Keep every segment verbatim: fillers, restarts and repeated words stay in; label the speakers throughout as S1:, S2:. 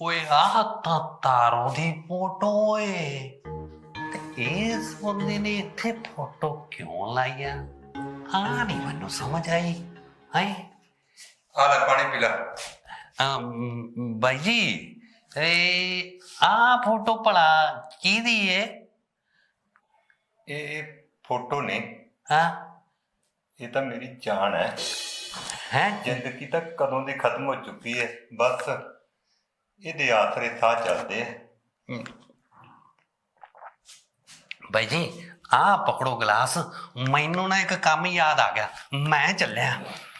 S1: ਓਏ ਆਹ ਤਾਂ ਤਾਰੋ ਦੀ ਫੋਟੋ ਏ ਤੇ ਇਸ ਬੰਦੇ ਨੇ ਇੱਥੇ ਫੋਟੋ ਕਿਉਂ ਲਾਈ ਆ ਆ ਨਹੀਂ ਮੈਨੂੰ ਸਮਝ ਆਈ ਹੈ
S2: ਆ ਲੈ ਪਾਣੀ ਪੀ ਲੈ।
S1: ਬਾਈ ਜੀ ਇਹ ਆ ਫੋਟੋ ਭਲਾ ਕਿਹਦੀ ਏ?
S2: ਇਹ ਫੋਟੋ ਨੇ
S1: ਹਾਂ
S2: ਇਹ ਤਾਂ ਮੇਰੀ ਜਾਨ ਹੈ।
S1: ਹੈ
S2: ਜ਼ਿੰਦਗੀ ਤਾਂ ਕਦੋਂ ਦੀ ਖਤਮ ਹੋ ਚੁੱਕੀ ਹੈ, ਬਸ ਇਹਦੇ ਆਸਰੇ ਸਾਹ ਚੱਲਦੇ ਆ।
S1: ਬਾਈ ਜੀ ਆ ਪਕੜੋ ਗਲਾਸ, ਮੈਨੂੰ ਨਾ ਇੱਕ ਕੰਮ ਯਾਦ ਆ ਗਿਆ, ਮੈਂ ਚੱਲਿਆ।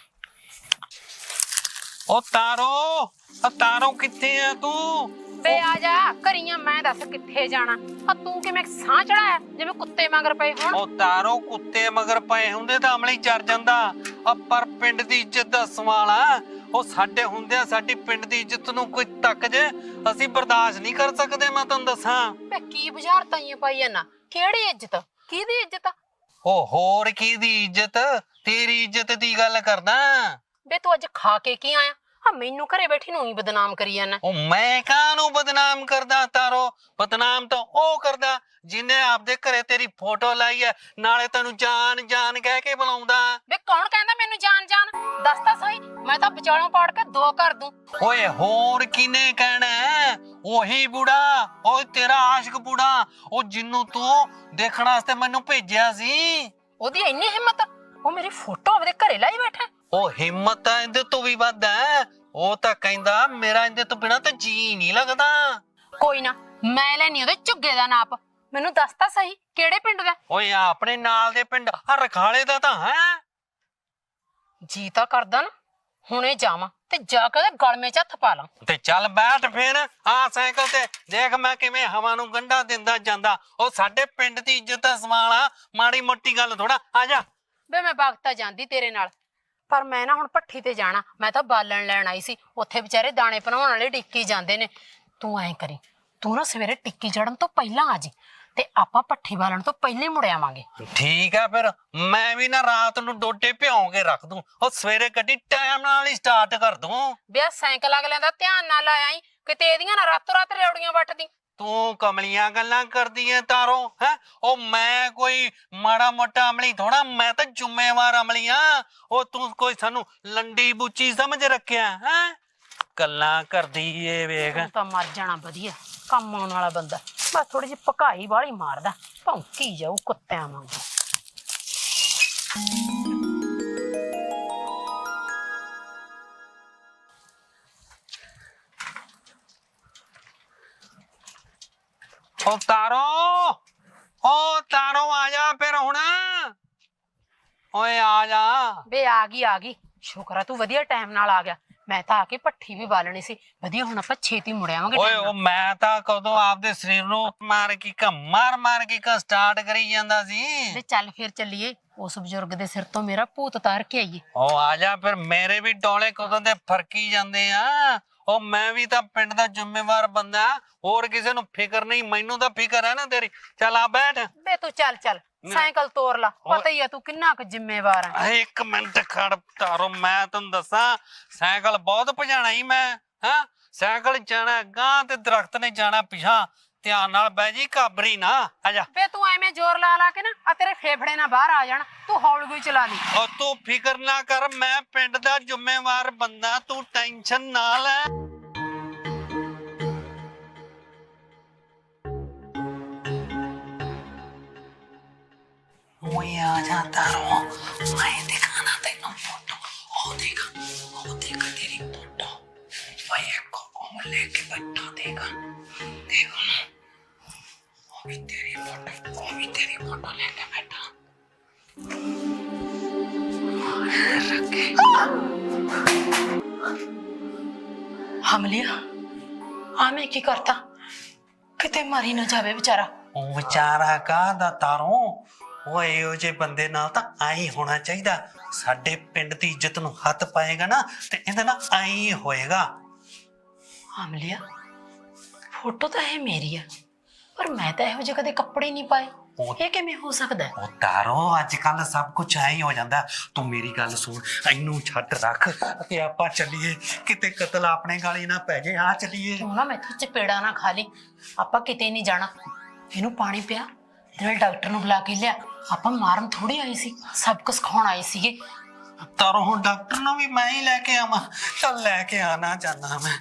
S1: ਓ ਤਾਰੋ, ਓ ਤਾਰੋ ਕਿੱਥੇ ਆ ਤੂੰ?
S3: ਬੇ ਆ ਜਾ ਘਰੀਆਂ, ਮੈਂ ਦੱਸ ਕਿੱਥੇ ਜਾਣਾ? ਆ ਤੂੰ ਕਿਵੇਂ ਸਾਹ ਚੜਾਇਆ ਜਿਵੇਂ ਕੁੱਤੇ ਮਗਰ ਪਏ ਹੋਣ?
S1: ਓ ਤਾਰੋ ਕੁੱਤੇ ਮਗਰ ਪਏ ਹੁੰਦੇ ਤਾਂ ਅਮਲੀ ਚੜ ਜਾਂਦਾ, ਆ ਪਰ ਪਿੰਡ ਦੀ ਇੱਜ਼ਤ ਦਾ ਸਵਾਲ ਆ। ਉਹ ਸਾਡੇ ਹੁੰਦਿਆਂ ਸਾਡੀ ਪਿੰਡ ਦੀ ਇੱਜ਼ਤ ਨੂੰ ਕੋਈ ਤੱਕ ਜੇ ਅਸੀਂ ਬਰਦਾਸ਼ਤ ਨਹੀਂ ਕਰ ਸਕਦੇ। ਮੈਂ ਤੁਹਾਨੂੰ ਦੱਸਾਂ
S3: ਬੇ ਕੀ ਬੁਝਾਰਤਾਂ ਹੀ ਪਾਈ ਜਾਂਦਾ, ਕਿਹੜੀ ਇੱਜ਼ਤ, ਕਿਹਦੀ ਇੱਜ਼ਤ?
S1: ਓ ਹੋਰ ਕਿਹਦੀ ਇੱਜ਼ਤ? ਤੇਰੀ ਇੱਜ਼ਤ ਦੀ ਗੱਲ ਕਰਦਾ।
S3: ਬੇ ਤੂੰ ਅੱਜ ਖਾ ਕੇ ਕੀ ਆਇਆ? ਆ ਮੈਨੂੰ ਘਰੇ ਬੈਠੀ ਨੂੰ ਹੀ ਬਦਨਾਮ ਕਰੀ ਜਾਂਦਾ।
S1: ਉਹ ਮੈਂ ਕਾਹਨੂੰ ਬਦਨਾਮ ਕਰਦਾ ਤਾਰੋ? ਬਦਨਾਮ ਤਾਂ ਉਹ ਕਰਦਾ ਜਿਹਨੇ ਆਪਦੇ ਘਰੇ ਤੇਰੀ ਫੋਟੋ ਲਾਈ ਹੈ, ਨਾਲੇ ਤੈਨੂੰ ਜਾਨ ਜਾਨ ਕਹਿ ਕੇ ਬੁਲਾਉਂਦਾ।
S3: ਬੇ ਕੌਣ ਕਹਿੰਦਾ ਮੈਨੂੰ ਜਾਨ ਜਾਨ? ਦੱਸ ਤਾਂ ਸਹੀ, ਮੈਂ ਤਾਂ ਵਿਚਾਲੋਂ ਪਾੜ ਕੇ ਦੋ ਕਰ ਦੂੰ।
S1: ਓਏ ਹੋਰ ਕਿਨੇ ਕਹਿਣਾ? ਉਹੀ ਬੁੜਾ, ਓਏ ਤੇਰਾ ਆਸ਼ਿਕ ਬੁੜਾ, ਉਹ ਜਿਹਨੂੰ ਤੂੰ ਦੇਖਣ ਵਾਸਤੇ ਮੈਨੂੰ ਭੇਜਿਆ ਸੀ।
S3: ਉਹਦੀ ਇੰਨੀ ਹਿੰਮਤ, ਉਹ ਮੇਰੀ ਫੋਟੋ ਆਪਦੇ ਘਰੇ ਲਾਈ ਬੈਠਾ।
S1: ਉਹ ਹਿੰਮਤ ਤਾਂ ਇਹਦੇ ਤੋਂ ਵੀ ਵੱਧ ਹੈ। ਉਹ ਤਾਂ ਕਹਿੰਦਾ ਮੇਰਾ ਇਹਦੇ ਤੋਂ ਬਿਨਾਂ ਤਾਂ ਜੀ ਨਹੀਂ ਲੱਗਦਾ।
S3: ਕੋਈ ਨਾ, ਮੈਂ ਲੈਣੀ ਉਹਦੇ ਝੁੱਗੇ ਦਾ ਨਾਪ। ਮੈਨੂੰ ਦੱਸ ਤਾਂ ਸਹੀ ਕਿਹੜੇ ਪਿੰਡ ਦਾ?
S1: ਓਏ ਆਪਣੇ ਨਾਲ ਦੇ ਪਿੰਡ ਆ ਰਖਾਲੇ ਦਾ ਤਾਂ ਹੈ।
S3: ਜੀ ਤਾਂ ਕਰਦਾ ਨਾ ਹੁਣੇ ਜਾਵਾਂ ਤੇ ਜਾ ਕੇ ਉਹਦੇ ਗਲਮੇ 'ਚ ਹੱਥ ਪਾ ਲਾਂ।
S1: ਤੇ ਚੱਲ ਬੈਠ ਫੇਰ ਆ ਸਾਈਕਲ ਤੇ, ਦੇਖ ਮੈਂ ਕਿਵੇਂ ਹਵਾ ਨੂੰ ਗੰਢਾ ਦਿੰਦਾ ਜਾਂਦਾ। ਉਹ ਸਾਡੇ ਪਿੰਡ ਦੀ ਇੱਜ਼ਤ ਦਾ ਸਵਾਲ ਆ, ਮਾੜੀ ਮੋਟੀ ਗੱਲ ਥੋੜਾ। ਆ ਜਾ
S3: ਬੇ ਮੈਂ ਬਗਤਾ ਜਾਂਦੀ ਤੇਰੇ ਨਾਲ, ਪਰ ਮੈਂ ਨਾ ਹੁਣ ਭੱਠੀ ਤੇ ਜਾਣਾ। ਮੈਂ ਤਾਂ ਬਾਲਣ ਲੈਣ ਆਈ ਸੀ, ਉੱਥੇ ਵਿਚਾਰੇ ਦਾਣੇ ਭਨਾਉਣ ਵਾਲੇ ਡਿੱਕੀ ਜਾਂਦੇ ਨੇ। ਤੂੰ ਐਂ ਕਰੀ, ਤੂੰ ਨਾ ਸਵੇਰੇ ਟਿੱਕੀ ਚੜਨ ਤੋਂ ਪਹਿਲਾਂ ਆ ਜੀ ਤੇ ਆਪਾਂ ਭੱਠੀ ਬਾਲਣ ਤੋਂ ਪਹਿਲੇ ਮੁੜ ਆਵਾਂਗੇ।
S1: ਠੀਕ ਆ ਫਿਰ, ਮੈਂ ਵੀ ਨਾ ਰਾਤ ਨੂੰ ਡੋਡੇ ਭਿਉਂ ਕੇ ਰੱਖ ਦੂੰ, ਉਹ ਸਵੇਰੇ ਗੱਡੀ ਟਾਈਮ ਨਾਲ ਹੀ ਸਟਾਰਟ ਕਰ ਦੂੰ।
S3: ਬਿਆ ਸਾਈਕਲ ਅਗਲਿਆਂ ਦਾ ਧਿਆਨ ਨਾਲ ਆਇਆ ਈ, ਕਿਤੇ ਇਹਦੀਆਂ ਨਾ ਰਾਤੋਂ ਰਾਤ ਰੇਵੜੀਆਂ ਵੱਟਦੀ।
S1: ਤੂੰ ਕਮਲੀਆਂ ਗੱਲਾਂ ਕਰਦੀ ਐ ਤਾਰੋ ਹੈ? ਉਹ ਮੈਂ ਕੋਈ ਮਾੜਾ ਮੋਟਾ ਅਮਲੀ ਥੋੜਾ, ਮੈਂ ਤਾਂ ਜ਼ਿੰਮੇਵਾਰ ਅਮਲੀ ਆ। ਉਹ ਤੂੰ ਕੋਈ ਸਾਨੂੰ ਲੰਡੀ ਬੂਚੀ ਸਮਝ ਰੱਖਿਆ ਹੈ? ਗੱਲਾਂ ਕਰਦੀ ਏ ਵੇਖ।
S3: ਤੂੰ ਤਾਂ ਮਰ ਜਾਣਾ, ਵਧੀਆ ਕੰਮ ਆਉਣ ਵਾਲਾ ਬੰਦਾ। ਬਸ ਥੋੜੀ ਜਿਹੀ ਭਕਾਈ ਵਾਲੀ ਮਾਰਦਾ, ਭੌਂਕੀ ਜਾਊ ਕੁੱਤਿਆਂ ਵਾਂਗੂ।
S1: ਓ ਤਾਰੋ, ਓ ਤਾਰੋ ਆ ਜਾ ਫਿਰ ਹੁਣ। ਓਏ ਆ ਜਾ।
S3: ਬੇ ਆ ਗਈ ਆ ਗਈ, ਸ਼ੁਕਰ ਆ ਤੂੰ ਵਧੀਆ ਟਾਈਮ ਨਾਲ ਆ ਗਿਆ। ਮੈਂ ਤਾਂ ਆ ਕੇ ਭੱਠੀ ਵੀ ਬਾਲਣੀ ਸੀ। ਵਧੀਆ, ਹੁਣ ਆਪਾਂ ਛੇਤੀ ਮੁੜ ਆਵਾਂਗੇ।
S1: ਓਏ ਉਹ ਮੈਂ ਤਾਂ ਕਦੋਂ ਆਪਦੇ ਸਰੀਰ ਨੂੰ ਮਾਰ ਕੀ ਕਾ ਮਾਰ ਮਾਰ ਕੀ ਕਾ ਸਟਾਰਟ ਕਰੀ ਜਾਂਦਾ ਸੀ।
S3: ਤੇ ਚੱਲ ਫਿਰ ਚੱਲੀਏ, ਉਸ ਬਜ਼ੁਰਗ ਦੇ ਸਿਰ ਤੋਂ ਮੇਰਾ ਭੂਤ ਉਤਾਰ ਕੇ ਆਈਏ।
S1: ਓ ਆ ਜਾ ਫਿਰ, ਮੇਰੇ ਵੀ ਡੋਲੇ ਕਦੋਂ ਦੇ ਫਰਕੀ ਜਾਂਦੇ ਆ। ਉਹ ਮੈਂ ਵੀ ਤਾਂ ਪਿੰਡ ਦਾ ਜ਼ਿੰਮੇਵਾਰ ਬੰਦਾ, ਹੋਰ ਕਿਸੇ ਨੂੰ ਫਿਕਰ ਨਹੀਂ, ਮੈਨੂੰ ਤਾਂ ਫਿਕਰ ਹੈ ਨਾ ਤੇਰੀ। ਚੱਲ ਆ ਬੈਠ।
S3: ਬੇ ਤੂੰ ਚੱਲ ਚੱਲ, ਸਾਈਕਲ ਤੋਰ ਲਾ, ਪਤਾ ਹੀ ਆ ਤੂੰ ਕਿੰਨਾ ਕੁ ਜ਼ਿੰਮੇਵਾਰ ਆ।
S1: ਇੱਕ ਮਿੰਟ ਖੜ ਤਾਰੋ, ਮੈਂ ਤੈਨੂੰ ਦੱਸਾਂ ਸਾਈਕਲ ਬਹੁਤ ਭਜਾਣਾ ਹੀ ਮੈਂ। ਹਾਂ ਸਾਈਕਲ ਜਾਣਾ ਗਾਂ ਤੇ ਦਰਖਤ ਨੇ ਜਾਣਾ ਪਿਛਾਂ। ਧਿਆਨ ਨਾਲ ਬਹਿ ਜੀ, ਕਾਬਰੀ ਨਾ। ਆ ਜਾ।
S3: ਬੇ ਤੂੰ ਐਵੇਂ ਜ਼ੋਰ ਲਾ ਲਾ ਕੇ ਨਾ ਆ ਤੇਰੇ ਫੇਫੜੇ ਨਾ ਬਾਹਰ ਆ ਜਾਣ। ਤੂੰ ਹੌਲੀ ਕੋਈ ਚਲਾ ਲਈ।
S1: ਉਹ ਤੂੰ ਫਿਕਰ ਨਾ ਕਰ, ਮੈਂ ਪਿੰਡ ਦਾ ਜ਼ਿੰਮੇਵਾਰ ਬੰਦਾ, ਤੂੰ ਟੈਨਸ਼ਨ ਨਾ ਲੈ। ਓਏ ਆ ਜਾ ਤਾਰੋ, ਮੈਂ ਦਿਖਾਣਾ ਤੈਨੂੰ ਫੋਟੋ। ਉਹ ਦੇਖ, ਉਹ ਦੇਖ ਤੇਰੀ ਫੋਟੋ। ਓਏ ਕੋ ਉਹ ਲੈ ਕੇ ਬੈਠਾ, ਦੇਖ ਦੇਖ ਉਹ ਵੀ ਤੇਰੀ ਫੋਟੋ, ਉਹ ਵੀ ਤੇਰੀ ਫੋਟੋ ਲੈ ਕੇ ਬੈਠਾ।
S3: ਹਮਲਿਆ ਆ ਮੈਂ ਕੀ ਕਰਤਾ? ਕਿਤੇ ਮਾਰੀ ਨਾ ਜਾਵੇ ਵਿਚਾਰਾ।
S1: ਉਹ ਵਿਚਾਰਾ ਕਾਹਦਾ ਤਾਰੋ? ਓਏ ਇਹੋ ਜਿਹੇ ਬੰਦੇ ਨਾਲ ਤਾਂ ਆਈ ਹੋਣਾ ਚਾਹੀਦਾ। ਸਾਡੇ ਪਿੰਡ ਦੀ ਇੱਜ਼ਤ ਨੂੰ ਹੱਥ ਪਾਏਗਾ ਨਾ ਤੇ ਇਹਦੇ ਨਾਲ ਆਈ ਹੋਏਗਾ।
S3: ਹਮਲਿਆ ਫੋਟੋ ਤਾਂ ਇਹ ਮੇਰੀ ਆ, ਪਰ ਮੈਂ ਤਾਂ ਇਹੋ ਜਿਹੇ ਕਦੇ ਕੱਪੜੇ ਨਹੀਂ ਪਾਏ। ਇਹ ਕਿਵੇਂ ਹੋ ਸਕਦਾ ਹੈ?
S1: ਉਹ ਤਾਰੋ ਅੱਜ ਕੱਲ ਸਭ ਕੁਝ ਐ ਹੀ ਹੋ ਜਾਂਦਾ। ਤੂੰ ਮੇਰੀ ਗੱਲ ਸੁਣ, ਇਹਨੂੰ ਛੱਡ ਰੱਖ ਤੇ ਆਪਾਂ ਚੱਲੀਏ, ਕਿਤੇ ਕਤਲ ਆਪਣੇ ਗਾਲੀ ਨਾ ਪੈ ਜੇ। ਆ ਚੱਲੀਏ।
S3: ਤੂੰ ਨਾ ਮੈਥੋਂ ਚਪੇੜਾ ਨਾ ਖਾ ਲਈ, ਆਪਾਂ ਕਿਤੇ ਨਹੀਂ ਜਾਣਾ। ਇਹਨੂੰ ਪਾਣੀ ਪਿਆ ਤੇ ਨਾਲ ਡਾਕਟਰ ਨੂੰ ਬੁਲਾ ਕੇ ਲਿਆ। ਆਪਾਂ ਮਾਰਨ ਥੋੜੀ ਆਏ ਸੀ, ਸਬਕ ਸਿਖਾਉਣ ਆਏ ਸੀਗੇ।
S1: ਤਾਰੋ ਹੁਣ ਡਾਕਟਰ ਨੂੰ ਵੀ ਮੈਂ ਹੀ ਲੈ ਕੇ ਆਵਾਂ? ਚੱਲ ਲੈ ਕੇ ਆਣਾ ਚਾਹਨਾ ਮੈਂ।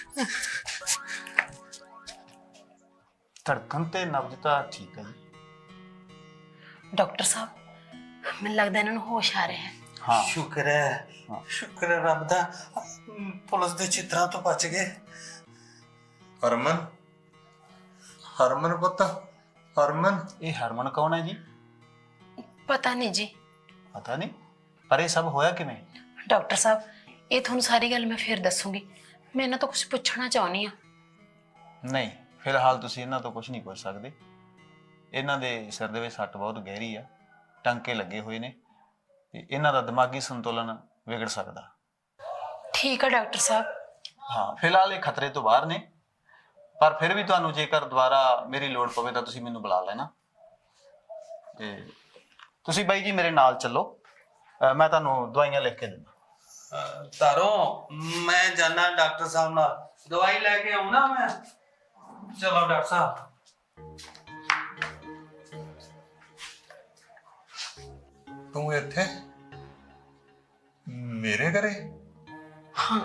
S4: ਧੜਕਣ ਤੇ ਨਬਜ਼ ਤਾਂ ਠੀਕ ਹੈ ਜੀ।
S3: ਡਾਕਟਰ ਸਾਹਿਬ, ਮੈਨੂੰ ਲੱਗਦਾ ਇਹਨਾਂ ਨੂੰ ਹੋਸ਼ ਆ ਰਿਹਾ ਹੈ।
S4: ਹਾਂ
S1: ਸ਼ੁਕਰ ਹੈ, ਸ਼ੁਕਰ ਹੈ ਰੱਬ ਦਾ, ਪੁਲਿਸ ਦੇ ਚਿੱਤਰਾਂ ਤੋਂ ਬਚ ਗਏ।
S2: ਹਰਮਨ, ਹਰਮਨ ਪੁੱਤ, ਹਰਮਨ।
S4: ਇਹ ਹਰਮਨ ਕੌਣ ਹੈ ਜੀ?
S3: ਪਤਾ ਨਹੀਂ ਜੀ।
S4: ਪਤਾ ਨਹੀਂ, ਪਰ ਇਹ ਸਭ ਹੋਇਆ ਕਿਵੇਂ?
S3: ਡਾਕਟਰ ਸਾਹਿਬ, ਇਹ ਤੁਹਾਨੂੰ ਸਾਰੀ ਗੱਲ ਮੈਂ ਫਿਰ ਦੱਸੂਗੀ। ਮੈਂ ਇਹਨਾਂ ਤੋਂ ਕੁਝ ਪੁੱਛਣਾ ਚਾਹੁੰਦੀ ਆ।
S4: ਨਹੀਂ, ਫਿਲਹਾਲ ਤੁਸੀਂ ਇਹਨਾਂ ਤੋਂ ਕੁਝ ਨਹੀਂ ਪੁੱਛ ਸਕਦੇ। ਇਹਨਾਂ ਦੇ ਸਿਰ ਦੇ ਵਿੱਚ ਸੱਟ ਬਹੁਤ ਗਹਿਰੀ ਆ, ਟਾਂਕੇ ਲੱਗੇ ਹੋਏ ਨੇ ਤੇ ਇਹਨਾਂ ਦਾ ਦਿਮਾਗੀ ਸੰਤੁਲਨ ਵਿਗੜ ਸਕਦਾ।
S3: ਠੀਕ ਹੈ ਡਾਕਟਰ ਸਾਹਿਬ।
S4: ਹਾਂ, ਫਿਲਹਾਲ ਇਹ ਖਤਰੇ ਤੋਂ ਬਾਹਰ ਨੇ, ਪਰ ਫਿਰ ਵੀ ਤੁਹਾਨੂੰ ਜੇਕਰ ਦੁਬਾਰਾ ਮੇਰੀ ਲੋੜ ਪਵੇ ਤਾਂ ਤੁਸੀਂ ਮੈਨੂੰ ਬੁਲਾ ਲੈਣਾ। ਤੇ ਤੁਸੀਂ ਬਾਈ ਜੀ ਮੇਰੇ ਨਾਲ ਚੱਲੋ, ਅਹ ਮੈਂ ਤੁਹਾਨੂੰ ਦਵਾਈਆਂ ਲਿਖ ਕੇ ਦਿੰਦਾ।
S1: ਤਾਰੋ ਮੈਂ ਜਾਣਾ ਡਾਕਟਰ ਸਾਹਿਬ ਨਾਲ, ਦਵਾਈ ਲੈ ਕੇ ਆਉਣਾ ਮੈਂ। ਚਲੋ ਡਾਕਟਰ ਸਾਹਿਬ।
S2: ਤੂੰ ਇੱਥੇ ਮੇਰੇ ਘਰੇ?
S3: ਹਾਂ,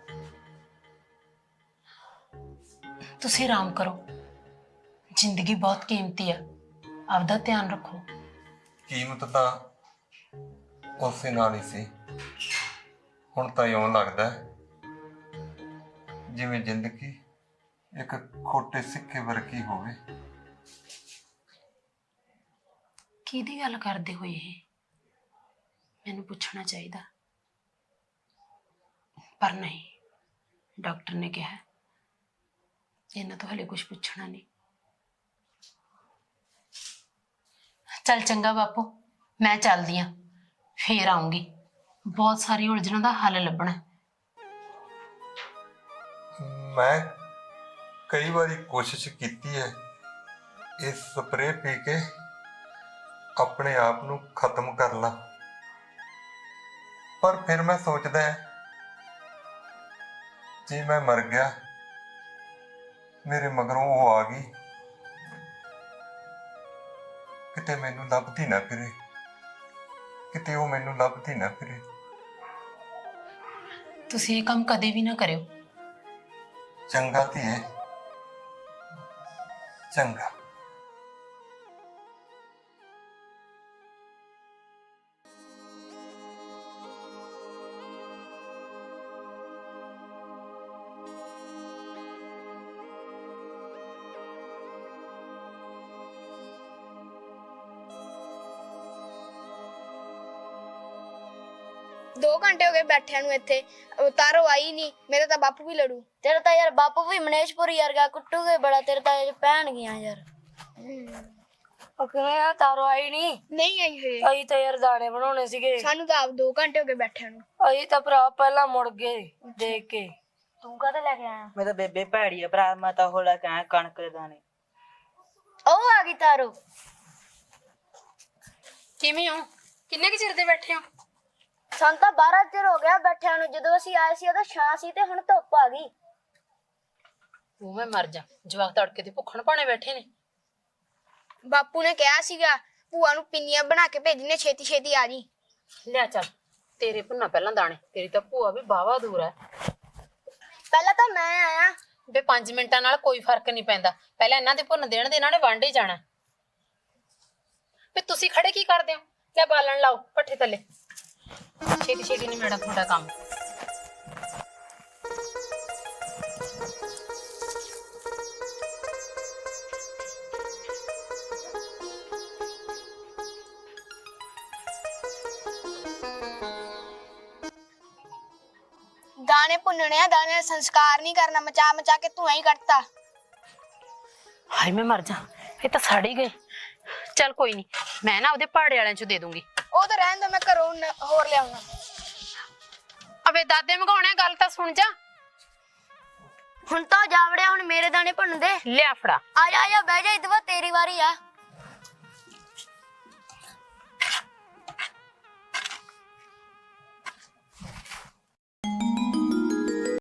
S3: ਤੁਸੀਂ ਆਰਾਮ ਕਰੋ। ਜ਼ਿੰਦਗੀ ਬਹੁਤ ਕੀਮਤੀ ਆ, ਆਪਦਾ ਧਿਆਨ ਰੱਖੋ।
S2: ਕੀਮਤ ਤਾਂ ਉਸੇ ਨਾਲ ਹੀ ਸੀ, ਹੁਣ ਤਾਂ ਇਉਂ ਲੱਗਦਾ ਹੈ ਜਿਵੇਂ ਜ਼ਿੰਦਗੀ ਇੱਕ ਖੋਟੇ ਸਿੱਕੇ ਵਰਗੀ ਹੋਵੇ।
S3: ਕਿਹਦੀ ਗੱਲ ਕਰਦੇ ਹੋਏ ਇਹ? ਮੈਨੂੰ ਪੁੱਛਣਾ ਚਾਹੀਦਾ, ਪਰ ਨਹੀਂ। ਡਾਕਟਰ ਨੇ ਕਿਹਾ ਇਹਨਾਂ ਤੋਂ ਹਲੇ ਕੁਝ ਪੁੱਛਣਾ ਨਹੀਂ। ਚੱਲ ਚੰਗਾ ਬਾਪੂ, ਮੈਂ ਚੱਲਦੀ ਆ, ਫੇਰ ਆਉਂਗੀ। ਬਹੁਤ ਸਾਰੀ ਉਲਝਣਾਂ ਦਾ ਹੱਲ ਲੱਭਣਾ।
S2: ਮੈਂ ਕਈ ਵਾਰੀ ਕੋਸ਼ਿਸ਼ ਕੀਤੀ ਹੈ ਇਸ ਸਪਰੇਅ ਪੀ ਕੇ ਆਪਣੇ ਆਪ ਨੂੰ ਖਤਮ ਕਰ ਲਾਂ, ਪਰ ਫਿਰ ਮੈਂ ਸੋਚਦਾ ਹੈ ਜੇ ਮੈਂ ਮਰ ਗਿਆ, ਮੇਰੇ ਮਗਰੋਂ ਉਹ ਆ ਗਈ, ਕਿਤੇ ਮੈਨੂੰ ਲੱਭਦੀ ਨਾ ਫਿਰੇ, ਕਿਤੇ ਉਹ ਮੈਨੂੰ ਲੱਭਦੀ ਨਾ ਫਿਰੇ।
S3: ਤੁਸੀਂ ਇਹ ਕੰਮ ਕਦੇ ਵੀ ਨਾ ਕਰਿਓ।
S2: ਚੰਗਾ ਧੀਏ, ਚੰਗਾ।
S5: दो घंटे हो गए बैठे नु इत्थे, तारो आई नहीं। मेरा तो बापू भी लड़ू।
S6: तेरा तो यार बापू भी मनेशपुर यार गा कुट्टू के बड़ा, तेरा तो यार पहन गया यार। ओके यार तारो आई नहीं?
S5: नहीं आई है।
S6: अई तो यार दाने बनाने सीगे।
S5: सानू तो आप दो घंटे हो गए बैठे नु।
S6: अई तो भरा पहला मुड़ गए देख के। तू कदे लेके आया?
S7: मैं तो बेबे भैड़ी है भरा, मैं तो हो लेके आया कणक के दाने।
S6: ओ आ गई तारो।
S3: ਕਿਵੇਂ ਹੋ? ਕਿੰਨੇ ਕਿ ਚਿਰ ਦੇ ਬੈਠੇ ਹੋ?
S6: सन तो बारह चिर हो गया बैठे नु, जदों ਅਸੀਂ ਆਏ ਸੀ ਉਦੋਂ ਛਾਂ ਸੀ ਤੇ ਹੁਣ ਧੁੱਪ ਆ ਗਈ।
S3: ਉਹ ਮੈਂ ਮਰ ਜਾ, ਜਵਾਕ ਤੜਕੇ ਤੇ ਭੁੱਖਣ ਭਾਣੇ ਬੈਠੇ ਨੇ।
S5: बापू ने कहा सीगा ਭੂਆ ਨੂੰ ਪਿੰਨੀਆਂ ਬਣਾ ਕੇ ਭੇਜਣੇ, ਛੇਤੀ ਛੇਤੀ ਆ ਜੀ।
S3: ਲਿਆ ਚੱਲ, ਤੇਰੇ ਭੁੰਨਾ ਪਹਿਲਾਂ ਦਾਣੇ। ਤੇਰੀ ਤਾਂ ਭੂਆ ਵੀ ਬਾਵਾ ਦੂਰ ਹੈ।
S5: ਪਹਿਲਾਂ ਤਾਂ ਮੈਂ ਆਇਆ।
S3: ਵੇ ਪੰਜ ਮਿੰਟਾਂ ਨਾਲ ਕੋਈ ਫਰਕ ਨਹੀਂ ਪੈਂਦਾ। ਪਹਿਲਾਂ ਇਹਨਾਂ ਦੇ ਭੁੰਨ ਦੇਣ ਦੇ, ਇਹਨਾਂ ਨੇ ਵਾਂਢੇ ਜਾਣਾ। ਵੇ ਤੁਸੀਂ ਖੜੇ ਕੀ ਕਰਦੇ ਹੋ? ਲੈ ਬਾਲਣ ਲਾਓ ਪੱਠੇ ਥੱਲੇ। ਛੇਤੀ ਛੇਤੀ ਨਹੀਂ ਮੇਰਾ ਤੁਹਾਡਾ ਕੰਮ।
S5: दाने भुनने आ, दाने ਦਾ ਸੰਸਕਾਰ ਨਹੀਂ ਕਰਨਾ, ਮਚਾ ਮਚਾ ਕੇ ਧੂਆਂ ਹੀ ਕੱਢਤਾ।
S3: ਹਾਏ ਮੈਂ ਮਰ ਜਾ, ਇਹ ਤਾਂ ਸੜ ਹੀ ਗਏ। ਚੱਲ ਕੋਈ ਨਹੀਂ, ਮੈਂ ਨਾ ਉਹਦੇ ਪਹਾੜੇ ਵਾਲਿਆਂ ਚ ਦੇ ਦੂੰਗੀ।
S5: ਉਹ ਤਾਂ ਰਹਿਣ ਦੋ, ਮੈਂ ਘਰੋਂ ਨ- ਹੋਰ ਲਿਆਉਣਾ।
S3: ਅਵੇ ਦਾਦੇ ਮਗਾਉਣੇ, ਗੱਲ ਤਾਂ ਸੁਣ ਜਾ।
S6: ਹੁਣ ਤਾਂ ਜਾਵੜਿਆ, ਹੁਣ ਮੇਰੇ ਦਾਣੇ ਭੁੰਨ ਦੇ।
S3: ਲਿਆ ਫੜਾ।
S6: ਆ ਜਾ ਆ ਜਾ ਬਹਿ ਜਾ, ਇਦਵਾ ਤੇਰੀ ਵਾਰੀ ਆ।